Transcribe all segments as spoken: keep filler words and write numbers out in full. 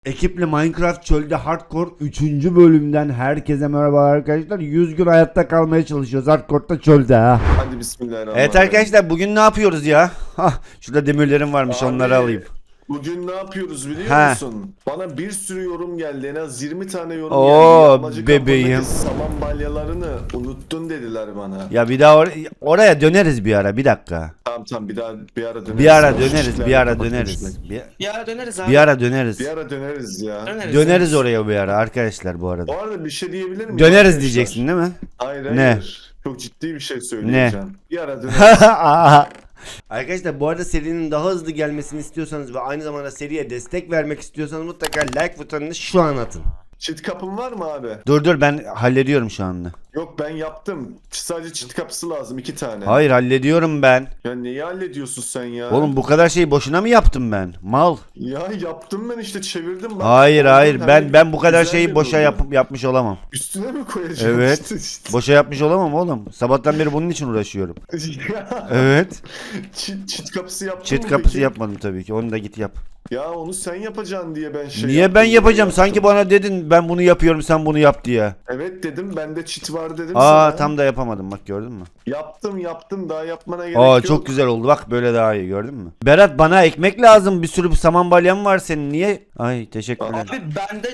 Ekiple Minecraft Çölde Hardcore üçüncü bölümden herkese merhaba arkadaşlar. yüz gün hayatta kalmaya çalışıyoruz Hardcore'da çölde ha. Hadi bismillahirrahmanirrahim. Evet arkadaşlar, bugün ne yapıyoruz ya? Hah, şurada demirlerim varmış, Abi, onları alayım. Bugün ne yapıyoruz biliyor Ha. musun? Bana bir sürü yorum geldi. En az yirmi tane yorum Oo, geldi. Yağmacı bebeğim. kampındaki saman balyalarını unuttun dediler bana. Ya bir daha or- oraya döneriz bir ara, bir dakika. Tamam tamam bir daha bir ara döneriz. Bir ara O döneriz, şişlerle bir ara kapatmışlar. döneriz. Bir, Bir ara döneriz abi. bir ara döneriz. Bir ara döneriz ya. Döneriz. Döneriz oraya bir ara arkadaşlar bu arada. Bu arada bir şey diyebilir miyim? Döneriz arkadaşlar? diyeceksin değil mi? Hayır hayır. Ne? Çok ciddi bir şey söyleyeceğim. Bir ara döneriz. Arkadaşlar bu arada serinin daha hızlı gelmesini istiyorsanız ve aynı zamanda seriye destek vermek istiyorsanız mutlaka like butonunu şu an atın. Çit kapın var mı abi? Dur dur, ben hallediyorum şu anda. Yok ben yaptım. Sadece çit kapısı lazım iki tane. Hayır, hallediyorum ben. Ya neyi hallediyorsun sen ya? Oğlum bu kadar şeyi boşuna mı yaptım ben? Mal. Ya yaptım ben işte çevirdim bak. Hayır hayır, Hani ben ben bu kadar güzel şeyi bir boşa oldu. yap yapmış olamam. Üstüne mi koyacağım? Evet. işte, işte. Boşa yapmış olamam oğlum. Sabahtan beri bunun için uğraşıyorum. Ya, Evet. çit, çit kapısı yaptın Çit mı kapısı peki? yapmadım tabii ki. Onu da git yap. Ya onu sen yapacaksın diye ben şey Niye yaptım, ben bunu yapacağım? yaptım. Sanki bana dedin ben bunu yapıyorum, sen bunu yap diye. Evet dedim bende çit var dedim Aa sana. tam da yapamadım, bak gördün mü? Yaptım yaptım daha yapmana gerek Aa yok. çok güzel oldu, bak böyle daha iyi, gördün mü? Berat, bana ekmek lazım, bir sürü saman balyan var senin, niye? Ay teşekkürler. Abi bende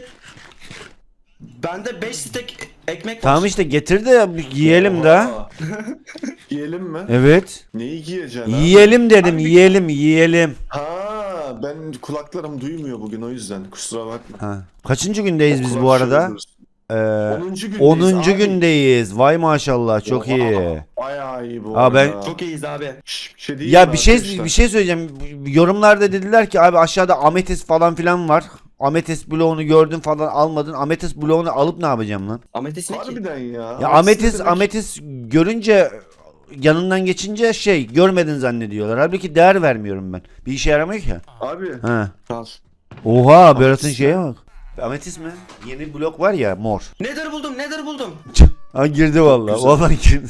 bende beş stek ekmek var. Tamam işte getir de yiyelim de. Aa. Yiyelim mi? Evet. Neyi giyeceksin ha? Yiyelim dedim, yiyelim yiyelim. Ha ben kulaklarım duymuyor bugün o yüzden kusura bakma. Ha. Kaçıncı gündeyiz biz Kulak bu arada? çığırıyorsun. Ee, onuncu gündeyiz onuncu abi. gündeyiz. Vay maşallah, çok Oha, iyi. Bayağı iyi bu Aa, ben- arada. Çok iyiyiz abi. Şş, bir şey diyeyim Ya mi bir şey arkadaşlar? bir şey söyleyeceğim. Yorumlarda dediler ki abi aşağıda ametist falan filan var. Ametist bloğunu gördün falan, almadın. Ametist bloğunu alıp ne yapacağım lan? Ametis ne ki? Harbiden ya. Ya Ametist ametist ne demek? ametist görünce, yanından geçince şey görmedin zannediyorlar. Halbuki değer vermiyorum ben. Bir işe yaramıyor ki. Abi Ha. Al. Oha, Berat'ın şeye bak. Ametist mi? Yeni blok var ya, mor. Nether buldum, Nether buldum. Ha girdi vallahi. Güzel. Vallahi girdi.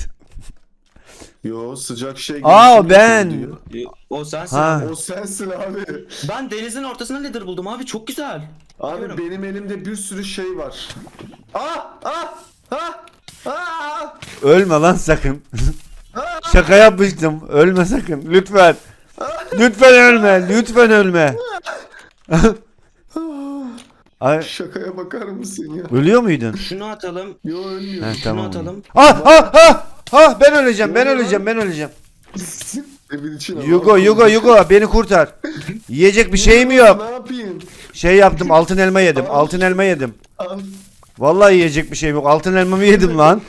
yo sıcak şey Aa, girişim ben. yapıyor diyor. O sensin. Ha. O sensin abi. Ben denizin ortasına Nether buldum abi, çok güzel. Abi Biliyorum. benim elimde bir sürü şey var. Ah ah ah ah. Ölme lan sakın. Şaka yapmıştım. Ölme sakın. Lütfen. Lütfen ölme. Lütfen ölme. Ay, Şakaya bakar mısın ya? ölüyor muydun? Şunu atalım. Yo ölmüyor. He, Şunu tamam. atalım. Ah ah ah ah, ben öleceğim. Ben öleceğim. Ben öleceğim. Evin içine Yugo Yugo Yugo beni kurtar. Yiyecek bir şeyim yok. Ne yapayım? Şey yaptım, altın elma yedim. Altın elma yedim. Al. Vallahi yiyecek bir şeyim yok. Altın elmamı yedim lan.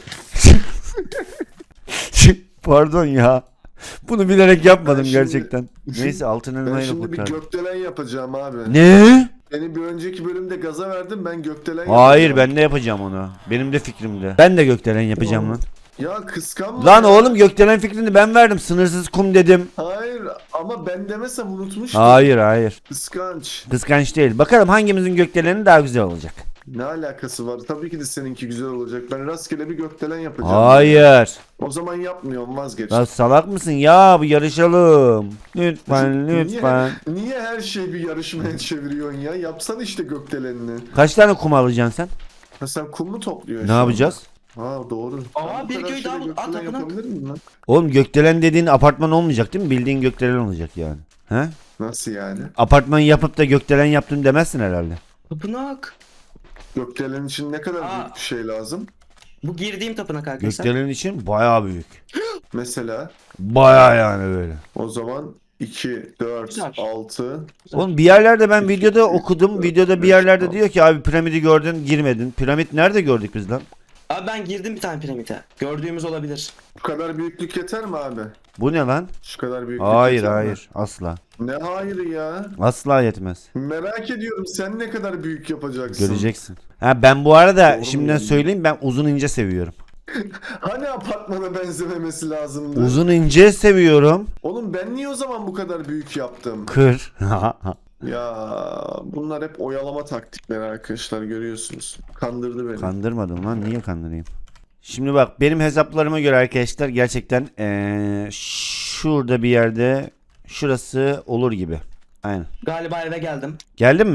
Pardon ya. Bunu bilerek yapmadım Ben şimdi- gerçekten. Neyse, altın Ben elmayı şimdi bir kurtar. gökdelen yapacağım abi. Ne? Beni bir önceki bölümde gaza verdim ben gökdelen Hayır, yapacağım. ben de yapacağım onu. Benim de fikrimde. Ben de gökdelen yapacağım lan. Ya kıskanma. Lan ya. oğlum, gökdelen fikrini ben verdim. Sınırsız kum dedim. Hayır ama ben demesem unutmuştum. Hayır hayır. Kıskanç. Kıskanç değil. Bakalım hangimizin gökdeleni daha güzel olacak. Ne alakası var? Tabii ki de seninki güzel olacak. Ben rastgele bir gökdelen yapacağım. Hayır. O zaman yapmıyorum vazgeç. Lan salak mısın ya? Bu yarışalım. Lütfen Niye- lütfen. Niye her şeyi bir yarışmaya çeviriyorsun ya? Yapsan işte gökdelenini. Kaç tane kum alacaksın sen? Ha sen kum mu topluyorsun? Ne şu yapacağız? anda? Ha doğru. Aa, Ben bu bir kadar köy daha şeyle bul- at gökdelen tapınak. yapabilir miyim lan? Oğlum gökdelen dediğin apartman olmayacak değil mi? Bildiğin gökdelen olacak yani. He? Nasıl yani? Apartman yapıp da gökdelen yaptım demezsin herhalde. Tapınak. Gökdelen için ne kadar Aa. büyük bir şey lazım? Bu girdiğim tapınak arkadaşlar. Gökdelen için bayağı büyük. Mesela Bayağı yani böyle. o zaman iki, dört, Güzel. altı. Oğlum bir yerlerde ben videoda okudum. Videoda bir yerlerde diyor ki abi piramidi gördün girmedin. Piramit nerede gördük biz lan? Abi ben girdim bir tane piramite. Gördüğümüz olabilir. Bu kadar büyüklük yeter mi abi? Bu ne lan? Şu kadar büyüklük Hayır yeter mi? hayır, asla. Ne hayır ya? Asla yetmez. Merak ediyorum sen ne kadar büyük yapacaksın? Göreceksin. Ha ben bu arada Doğru şimdiden mu? söyleyeyim, ben uzun ince seviyorum. Hani apartmana benzememesi lazımdı? Uzun ince seviyorum. Oğlum ben niye o zaman bu kadar büyük yaptım? Kır. Ya bunlar hep oyalama taktikleri arkadaşlar görüyorsunuz. Kandırdı beni. Kandırmadım lan, niye kandırayım? Şimdi bak, benim hesaplarıma göre arkadaşlar gerçekten ee, şurada bir yerde, şurası olur gibi. Aynen. Galiba eve geldim. Geldin mi?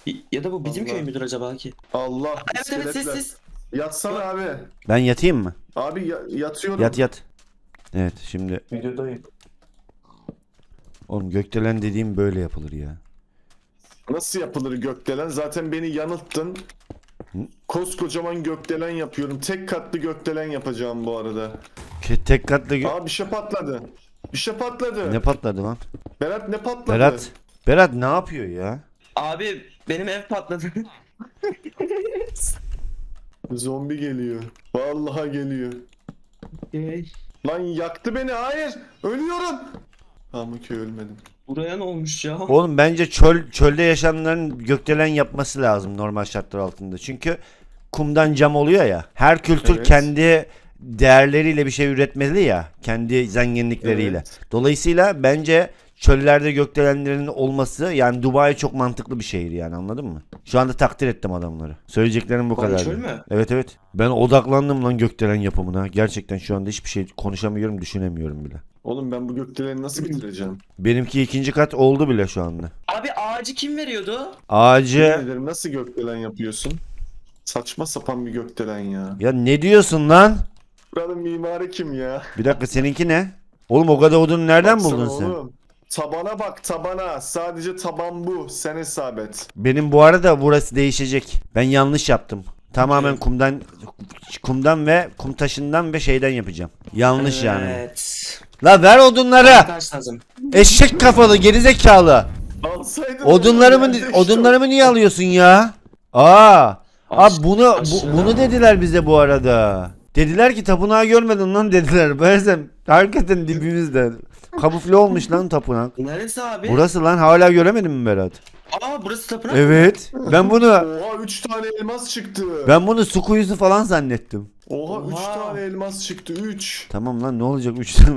Ya da bu bizim Vallahi. köy müdür acaba ki? Allah Evet evet siz iskeletler. siz. Yatsana abi. Ben yatayım mı? Abi ya- yatıyorum. Yat yat. Evet şimdi Videodayım. oğlum gökdelen dediğim böyle yapılır ya. Nasıl yapılır gökdelen? Zaten beni yanılttın. Hı? Koskocaman gökdelen yapıyorum. Tek katlı gökdelen yapacağım bu arada. Ke- Tek katlı gö- Aa bir şey patladı. Bir şey patladı. ne patladı lan? Berat ne patladı? Berat. Berat ne yapıyor ya? Abi benim ev patladı. Zombi geliyor. Vallahi geliyor. Lan yaktı beni. Hayır. Ölüyorum. Ama ki ölmedim. Buraya ne olmuş ya? Oğlum bence çöl çölde yaşayanların gökdelen yapması lazım normal şartlar altında. Çünkü kumdan cam oluyor ya. Her kültür Evet. kendi değerleriyle bir şey üretmeli ya. Kendi zenginlikleriyle. Evet. Dolayısıyla bence çöllerde gökdelenlerin olması yani Dubai çok mantıklı bir şehir yani anladın mı? Şu anda takdir ettim adamları. Söyleyeceklerim bu Vay, kadar. çöl mü? Evet evet. Ben odaklandım lan gökdelen yapımına. Gerçekten şu anda hiçbir şey konuşamıyorum, düşünemiyorum bile. Oğlum ben bu gökdeleni nasıl bitireceğim? Benimki ikinci kat oldu bile şu anda. Abi ağacı kim veriyordu? Ağacı Yemin ederim, nasıl gökdelen yapıyorsun? Saçma sapan bir gökdelen ya. ya ne diyorsun lan? Buranın mimarı kim ya? Bir dakika seninki ne? Oğlum o kadar odunu nereden Baksana buldun sen? oğlum. Tabana bak tabana. Sadece taban bu. Sen hesap et. Benim bu arada burası değişecek. Ben yanlış yaptım. Tamamen Okey. kumdan kumdan ve kum taşından ve şeyden yapacağım. Yanlış yani. Evet. La ver odunları. Taş lazım. Eşek kafalı gerizekalı. Alsaydın Odunlarımı oğlum, nerede odunlarımı niye alıyorsun ya? Aa. Abi Aş- bunu bu, aşırı. bunu dediler bize bu arada. Dediler ki tapınağı görmedin lan dediler. Meğersem hakikaten dibimizde. Kamufle olmuş lan tapınak. Neresi abi? Burası lan hala göremedin mi Berat? Aa burası tapınak. Evet. Ben bunu Oha üç tane elmas çıktı. ben bunu su kuyusu falan zannettim. Oha üç Oha. tane elmas çıktı. üç. Tamam lan ne olacak üç tane.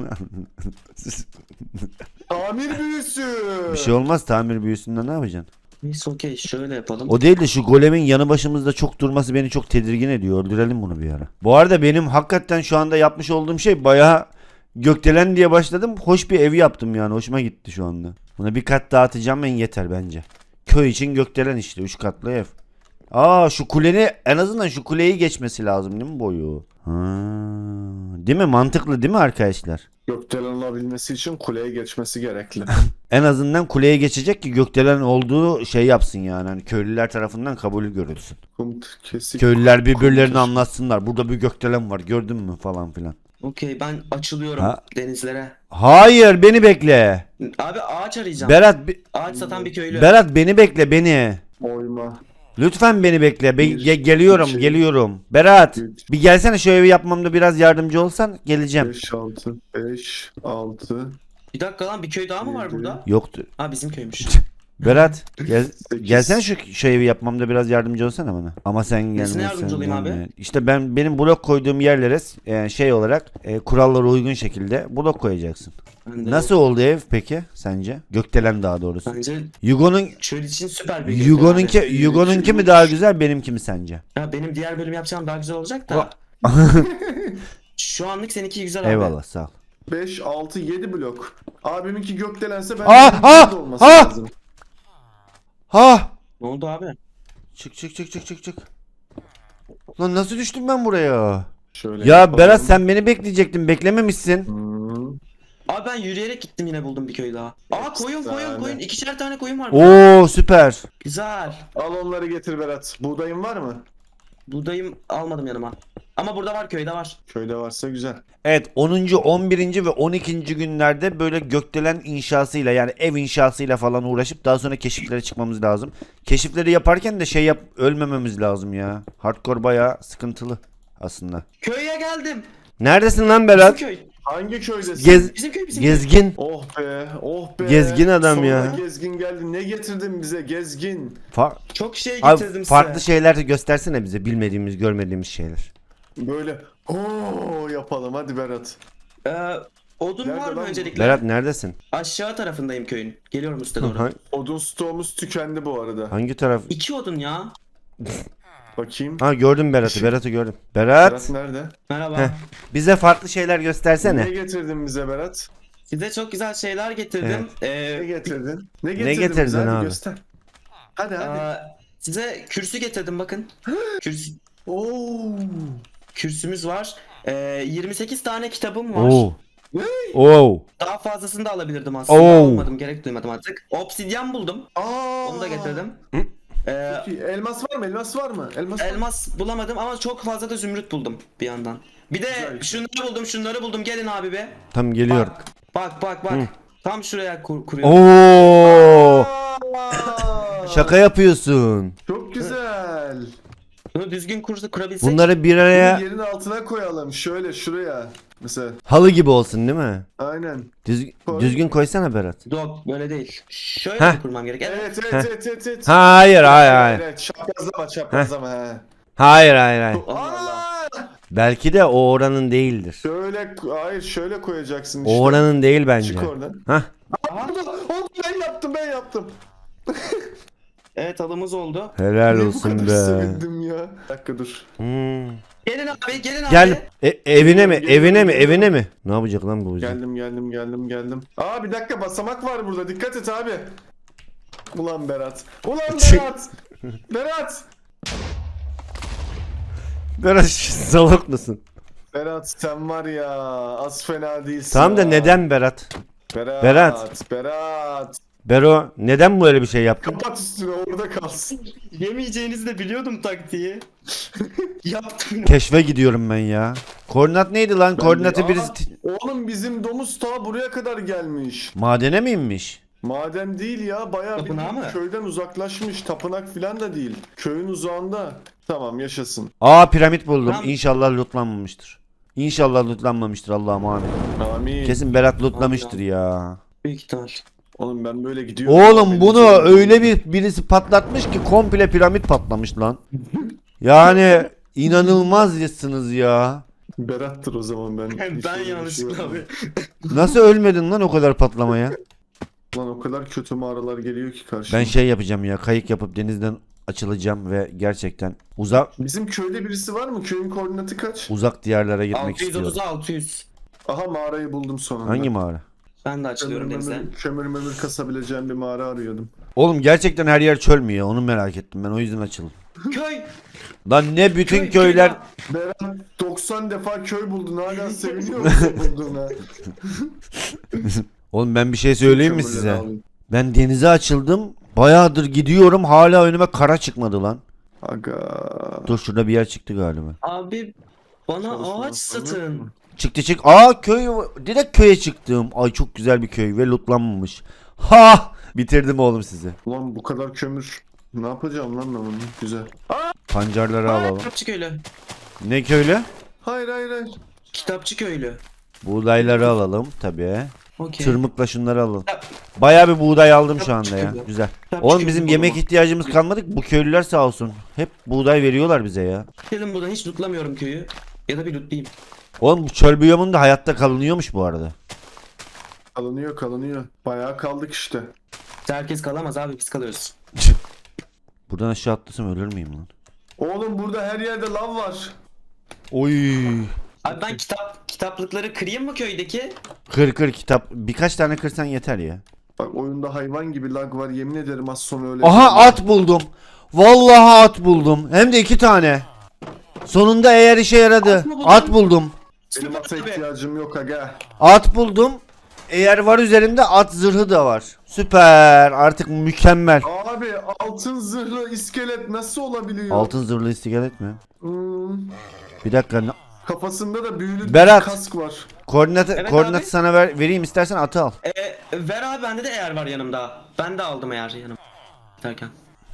Tamir büyüsü. Bir şey olmaz tamir büyüsünden ne yapacaksın? Neyse okey şöyle yapalım. O değil de şu golemin yanı başımızda çok durması beni çok tedirgin ediyor. Öldürelim bunu bir ara. Bu arada benim hakikaten şu anda yapmış olduğum şey bayağı gökdelen diye başladım. Hoş bir ev yaptım yani. Hoşuma gitti şu anda. Buna bir kat daha atacağım en yeter bence. Köy için gökdelen işte. Üç katlı ev. Aa şu kuleni en azından şu kuleyi geçmesi lazım değil mi boyu? Ha, değil mi? Mantıklı değil mi arkadaşlar? Gökdelen olabilmesi için kuleye geçmesi gerekli. En azından kuleye geçecek ki gökdelen olduğu şey yapsın yani. Hani köylüler tarafından kabul görülsün. Kum kesik. Köylüler birbirlerini Kum- anlatsınlar. Burada bir gökdelen var gördün mü falan filan. Okey ben açılıyorum Ha. denizlere. Hayır beni bekle. Abi ağaç arayacağım. Berat bi- Ağaç satan bir köylü. Berat beni bekle beni. Oyma. Lütfen beni bekle. Be- Bir, ge- geliyorum iki, geliyorum. Berat üç. bir gelsene şu evi yapmamda biraz yardımcı olsan geleceğim. beş altı beş altı Bir dakika lan bir köy daha mı var Yedi. burada? Yoktu. Ha bizim köymüş. Berat gel, sekiz. gelsene şu, şu evi yapmamda biraz yardımcı olsana bana. Ama sen gelmezsen. yardımcı olayım abi? gelme. İşte ben benim blok koyduğum yerlere e, şey olarak e, kurallara uygun şekilde blok koyacaksın. Ben de- Nasıl oldu ev peki sence? Gökdelen daha doğrusu. Bence Yugo'nun çöl için süper bir köy Yugo'nunki abi. Yugo'nunki mi daha güzel benimki mi sence? Ya benim diğer bölüm yapacağım daha güzel olacak da. Şu anlık seninki güzel abi. Eyvallah sağ ol. beş altı yedi blok. Abiminki gökdelense ben Ah, ah, olması ah! lazım. Ha! Ne oldu abi? Çık çık çık çık çık çık. Lan nasıl düştüm ben buraya? Şöyle Ya yapalım. Berat sen beni bekleyecektin. Beklememişsin. Hmm. Abi ben yürüyerek gittim yine buldum bir köy daha. Aa koyun koyun Efsane. koyun. İkişer tane koyun var. burada. Oo süper. Güzel. Al onları getir Berat. Buğdayın var mı? Buğdayım almadım yanıma. Ama burada var köyde var. Köyde varsa güzel. Evet onuncu on birinci ve on ikinci günlerde böyle gökdelen inşasıyla yani ev inşasıyla falan uğraşıp daha sonra keşiflere çıkmamız lazım. Keşifleri yaparken de şey yap ölmememiz lazım ya. Hardcore bayağı sıkıntılı aslında. Köye geldim. Neredesin lan Bizim Berat? köy. Hangi köydesin? Gez Bizim köy bizim köy. gezgin. Oh be, oh be. Gezgin adam Sonunda ya. gezgin geldi. Ne getirdin bize gezgin? Fa- Çok şey Abi, getirdim farklı size. şeyler de göstersene bize bilmediğimiz görmediğimiz şeyler. Böyle ooo yapalım hadi Berat. Ee, odun Nerede var mı lan bu? öncelikle? Berat neredesin? Aşağı tarafındayım köyün. Geliyorum üste doğru. Ha- Odun stoğumuz tükendi bu arada. hangi taraf? İki odun ya. Bakayım. Ha gördüm Berat'ı. Şu- Berat'ı gördüm. Berat, Berat nerede? Merhaba. Heh. bize farklı şeyler Ne göstersene. getirdin bize Berat? Size çok güzel şeyler getirdim. Ne Ee, getirdin? Ne getirdin, getirdin bize? Hadi abi? göster. Hadi hadi. Aa, Size kürsü getirdim bakın. Kürsü, Oo. kürsümüz var. Ee, yirmi sekiz tane kitabım var. Oo. Oo. Daha fazlasını da alabilirdim aslında. Oo. Almadım, gerek duymadım artık. Obsidyen buldum. Aa. Onu da getirdim. Ee, Çok iyi. Elmas var mı? Elmas var mı? Elmas var mı? elmas bulamadım ama çok fazla da zümrüt buldum bir yandan. Bir de Güzel. şunları buldum, şunları buldum. Gelin abi be. Tam geliyorum. Bak, bak, bak, bak. Tam şuraya kur kuruyorum. Oo. Aa. Şaka yapıyorsun. Çok güzel. Bunu düzgün kursa kurabilsek. Bunları bir Bunu araya yerin altına koyalım. Şöyle şuraya. Mesela. halı gibi olsun değil mi? Aynen. Düz, Koy. düzgün koysana Berat. Yok, böyle değil. Şöyle Heh. mi kurmam gerek? Evet. Evet evet evet evet. evet. Hayır hayır hayır. Evet, çaprazlama çaprazlama he. Hayır hayır hayır. Allah Allah. Aa! Belki de o oranın değildir. Şöyle hayır şöyle koyacaksın işte. O oranın değil bence. Çık oradan. Hah. Aha. Oldu, oldu ben yaptım ben yaptım. Evet, halımız oldu. Helal Niye bu olsun kadar be. sevindim ya. Bir dakika dur. Hmm. Gelin abi, gelin abi. Gel. E, evine mi? Geliyorum, Evine mi? geliyorum. Evine mi? Ne yapacak lan bu bize? Geldim geldim geldim geldim. Aa bir dakika basamak var burada dikkat et abi. Ulan Berat. Ulan Berat. Berat. Berat salak mısın? Berat sen var ya az fena değilsin. Tamam da ha. neden Berat? Berat. Berat. Berat. Bero neden böyle bir şey yaptın? Kapat üstüne orada kalsın. Yemeyeceğinizi de biliyordum taktiği. Yaptım. Keşfe gidiyorum ben ya. Koordinat neydi lan? Koordinatı Aa, birisi... Oğlum bizim domuz ta buraya kadar gelmiş. Madene mi inmiş? Maden değil ya bayağı bir Tapınağı mı? köyden uzaklaşmış. Tapınak filan da değil. Köyün uzağında. Tamam yaşasın. Aa piramit buldum. Tamam. İnşallah lootlanmamıştır. İnşallah lootlanmamıştır Allah'ım amin. Amin. Kesin Berat lootlamıştır ya. Büyük ihtimal. Oğlum ben böyle gidiyorum. Oğlum Benim bunu canım- öyle bir birisi patlatmış ki komple piramit patlamış lan. Yani inanılmazsınız ya. Berat'tır o zaman ben. Ben, hiç ben öyle bir yanlışlıkla şey abi. yapmadım. Nasıl ölmedin lan o kadar patlamaya? Lan o kadar kötü mağaralar geliyor ki karşıma. Ben şey yapacağım ya, kayık yapıp denizden açılacağım ve gerçekten uzak Bizim köyde birisi var mı? Köyün koordinatı kaç? uzak diyarlara gitmek altı yüz istiyorum. otuza altı yüz. Aha mağarayı buldum sonunda. Hangi mağara? Ben de Kömür açılıyorum denize. mömür, kömür mömür kasabileceğim bir mağara arıyordum. Oğlum gerçekten her yer çöl mü ya? Onu merak ettim ben, o yüzden açıldım. Köy. Lan ne bütün Köy, köyler... köy Berat doksan defa köy buldun hala seviniyor musun bulduğuna? Oğlum ben bir şey söyleyeyim mi Kömürleri size? alayım. Ben denize açıldım. Bayağıdır gidiyorum, hala önüme kara çıkmadı lan. Aga. Dur şurada bir yer çıktı galiba. Abi bana Çalışma ağaç satın. Çıktı çık. Aa köy, direkt köye çıktım. Ay çok güzel bir köy ve lootlanmamış. Ha! Bitirdim oğlum sizi. Ulan bu kadar kömür. Ne yapacağım lan ben bunu? Güzel. Pancarları alalım. Kitapçı köylü. Ne köylü? Hayır hayır hayır. Kitapçı köylü. Buğdayları alalım tabii. Okey. Tırmıkla şunları alalım. Bayağı bir buğday aldım şu anda ya. Kitapçı Güzel. Kitapçı Oğlum köylü bizim bulalım. yemek ihtiyacımız kalmadı ki. Bu köylüler sağ olsun. Hep buğday veriyorlar bize ya. Dedim buradan hiç lootlamıyorum köyü. Ya da bir lootlayayım. Oğlum bu çöl biyomunda hayatta kalınıyormuş bu arada. Kalınıyor kalınıyor. Bayağı kaldık işte. Herkes kalamaz abi, biz kalıyoruz. Buradan aşağı atlasam ölür müyüm lan? Oğlum burada her yerde lav var. Oy. Abi ben kitap kitaplıkları kırayım mı köydeki? Kır kır kitap. Birkaç tane kırsan yeter ya. Bak oyunda hayvan gibi lag var yemin ederim az sonra öyle. Aha at buldum. Vallahi at buldum. Hem de iki tane. Sonunda eğer işe yaradı. At mı buldun? At buldum. Benim ata ihtiyacım yok aga. At buldum. Eğer var üzerimde at zırhı da var. Süper. Artık mükemmel. Abi altın zırhlı iskelet nasıl olabiliyor? Altın zırhlı istigalet mi? Hmm, Bir dakika. ne- kafasında da büyülü Berat. bir kask var. Koordinatı Evet koordinatı abi. sana ver, vereyim istersen atı al. Ee, ver abi, bende de eğer var yanımda. Ben de aldım eğer yanım. Derken.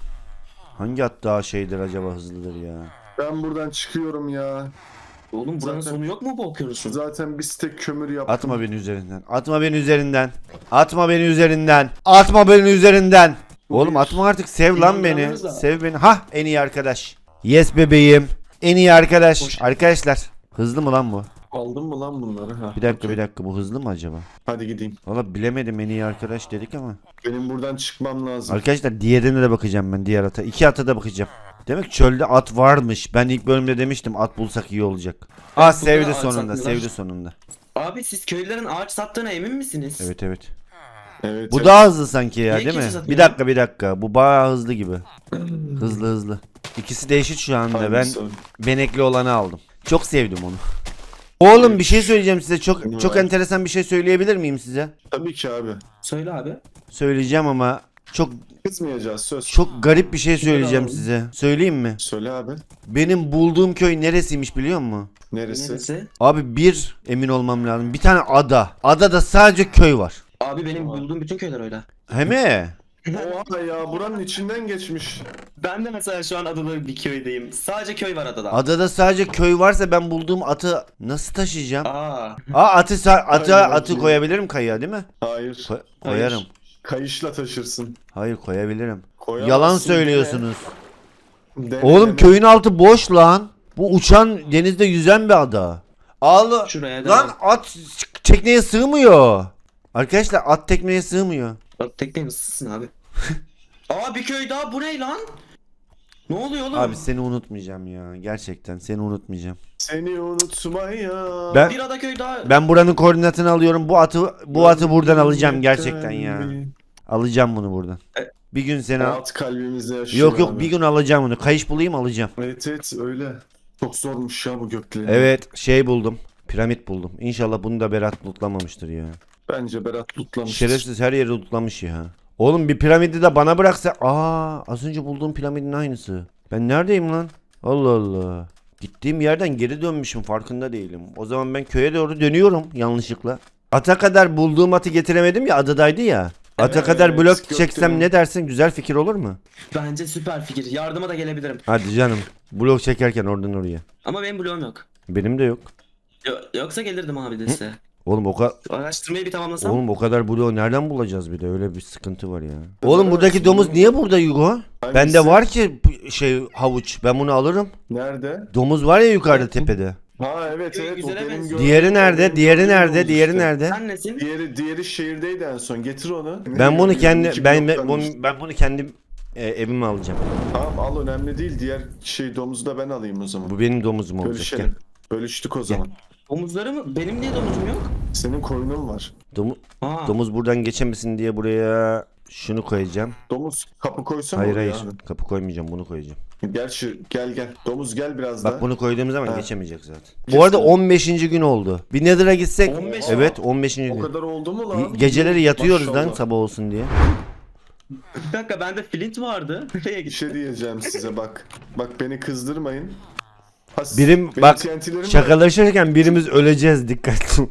Hangi at daha şeydir acaba, hızlıdır ya? Ben buradan çıkıyorum ya. Oğlum buranın Zaten- sonu yok mu bu okyanusun? Zaten bir stek kömür yaptım. Atma beni üzerinden. Atma beni üzerinden. Atma beni üzerinden. Atma beni üzerinden. Oğlum atma artık, sev lan beni. İnanmıyoruz da. Sev beni. Hah, en iyi arkadaş. Yes bebeğim. En iyi arkadaş. Hoş. Arkadaşlar. Hızlı mı lan bu? Aldın mı lan bunları? Ha. Bir dakika bir dakika, bu hızlı mı acaba? Hadi gideyim. Valla bilemedim, en iyi arkadaş dedik ama. Benim buradan çıkmam lazım. Arkadaşlar diğerine de bakacağım ben, diğer ata. İki ata da bakacağım. Demek ki çölde at varmış. Ben ilk bölümde demiştim at bulsak iyi olacak. Ah burada sevdi ağaç sonunda, satmıyorlar. sevdi sonunda. Abi siz köylülerin ağaç sattığına emin misiniz? Evet evet. Evet. Bu evet. daha hızlı sanki ya, Niye değil mi? kimse satmıyor? Bir dakika bir dakika. Bu bayağı hızlı gibi. Hızlı hızlı. İkisi de eşit şu anda. Ben Hangisi o? benekli olanı aldım. Çok sevdim onu. Oğlum bir şey söyleyeceğim size. Çok Bunu çok ver. enteresan bir şey söyleyebilir miyim size? Tabii ki abi. Söyle abi. Söyleyeceğim ama çok Kızmayacağız söz. çok garip bir şey söyleyeceğim alalım. size. Söyleyeyim mi? Söyle abi. Benim bulduğum köy neresiymiş biliyor musun? Neresi? Neresi? Abi bir emin olmam lazım. Bir tane ada. Adada sadece köy var. Abi benim bulduğum bütün köyler öyle. He mi? Oha ya buranın içinden geçmiş. Ben de mesela şu an adada bir köydeyim. Sadece köy var adada. Adada sadece köy varsa ben bulduğum atı nasıl taşıyacağım? Aa. Aa atı sa- ata Hayır, atı bakayım. koyabilirim kayaya değil mi? Hayır. Ko- koyarım. Kayışla taşırsın. Hayır koyabilirim. Koyamazsın, Yalan söylüyorsunuz. Dene. Dene, Oğlum dene. köyün altı boş lan. Bu uçan denizde yüzen bir ada. Ağlı. Şuraya Lan da. at tekneye sığmıyor. Arkadaşlar at tekneye sığmıyor. Bak tekne ısısın abi. Aa bir köy daha, bu ne lan? Ne oluyor oğlum? Abi seni unutmayacağım ya. Gerçekten seni unutmayacağım. Seni unutmaya. Ben Bir ada köy daha. ben buranın koordinatını alıyorum. Bu atı bu atı buradan alacağım gerçekten ya. Alacağım bunu buradan. E- Bir gün seni al. Alt kalbimizde yaşıyor Yok yok abi. bir gün alacağım bunu. Kayış bulayım alacağım. Evet evet öyle. Çok zormuş ya bu göklerin. Evet şey buldum. Piramit buldum. İnşallah bunu da Berat lootlamamıştır ya. Bence Berat lootlamıştır. Şerefsiz her yeri lootlamış ya. Oğlum bir piramidi de bana bıraksa. Aa az önce bulduğum piramidin aynısı. Ben neredeyim lan? Allah Allah. Gittiğim yerden geri dönmüşüm farkında değilim. O zaman ben köye doğru dönüyorum yanlışlıkla. Ata kadar bulduğum atı getiremedim ya, adadaydı ya. Ata Evet, kadar blok gökdelen. çeksem ne dersin? Güzel fikir olur mu? Bence süper fikir. Yardıma da gelebilirim. Hadi canım. Blok çekerken oradan oraya. Ama benim bloğum yok. Benim de yok. Yo- yoksa gelirdim abi de size. Oğlum o kadar Araştırmayı bir tamamlasam. Oğlum o kadar bloğu nereden bulacağız bir de? Öyle bir sıkıntı var ya. Oğlum buradaki domuz niye burada Yugo? Hangisi? Bende var ki bu şey havuç. Ben bunu alırım. Nerede? Domuz var ya yukarıda tepede. Ha evet evet. O Güzele benim benziyor. gördüğüm- Diğeri nerede? benim Diğeri gördüğüm nerede? domuz Diğeri işte. nerede? Sen nesin? Diğeri diğeri şehirdeydi en son. Getir onu. Ben bunu kendi İki ben ben bloktan bunu, işte. ben bunu kendim e, evime alacağım. Tamam al önemli değil. Diğer şey domuzu da ben alayım o zaman. Bu benim domuzum olacak. Gel. Bölüşelim. Bölüştük o zaman. Domuzları mı? Benim niye domuzum yok? Senin koyunun var. Domu- Aa. domuz buradan geçemesin diye buraya şunu koyacağım. Domuz kapı koysana Hayır oraya hayır. abi. Kapı koymayacağım. Bunu koyacağım. Gel şu gel gel. Domuz gel biraz Bak daha. bunu koyduğum zaman Ha. geçemeyecek zaten. Kesin. Bu arada on beşinci gün oldu. Bir Nether'a gitsek. on beş Evet on beşinci O gün. kadar oldu mu lan? Geceleri yatıyoruz lan Maşallah. sabah olsun diye. Bir dakika bende flint vardı. Nereye Bir gitti? şey diyeceğim size bak. Bak beni kızdırmayın. Ha, Birim benim bak T N T'lerim var. şakalaşırken birimiz öleceğiz dikkatli.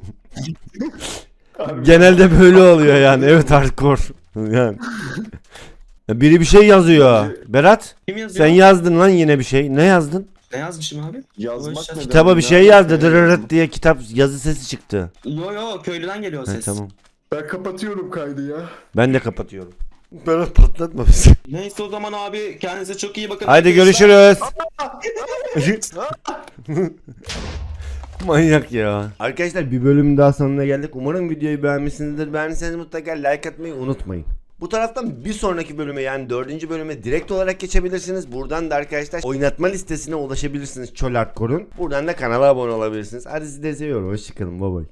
Abi, Genelde böyle oluyor yani. Evet hardcore. Yani. Biri bir şey yazıyor. Berat Kim yazıyor? sen yazdın lan yine bir şey. Ne yazdın? Ne yazmışım abi? Yazmak Boş- ne Kitaba demek? bir şey Ne yazdı. alaka ya? Dırırırt diye kitap yazı sesi çıktı. Yo yo köylüden geliyor He, ses. tamam. Ben kapatıyorum kaydı ya. Ben de kapatıyorum. Berat patlatma bizi. Neyse o zaman abi kendinize çok iyi bakın. Haydi arkadaşlar. görüşürüz. Manyak ya. Arkadaşlar bir bölümün daha sonuna geldik. Umarım videoyu beğenmişsinizdir. Beğendiyseniz mutlaka like atmayı unutmayın. Bu taraftan bir sonraki bölüme yani dördüncü bölüme direkt olarak geçebilirsiniz. Buradan da arkadaşlar oynatma listesine ulaşabilirsiniz Çöl Hardcore'un. Buradan da kanala abone olabilirsiniz. Hadi sizi de seviyorum. Hoşçakalın. Bye bye.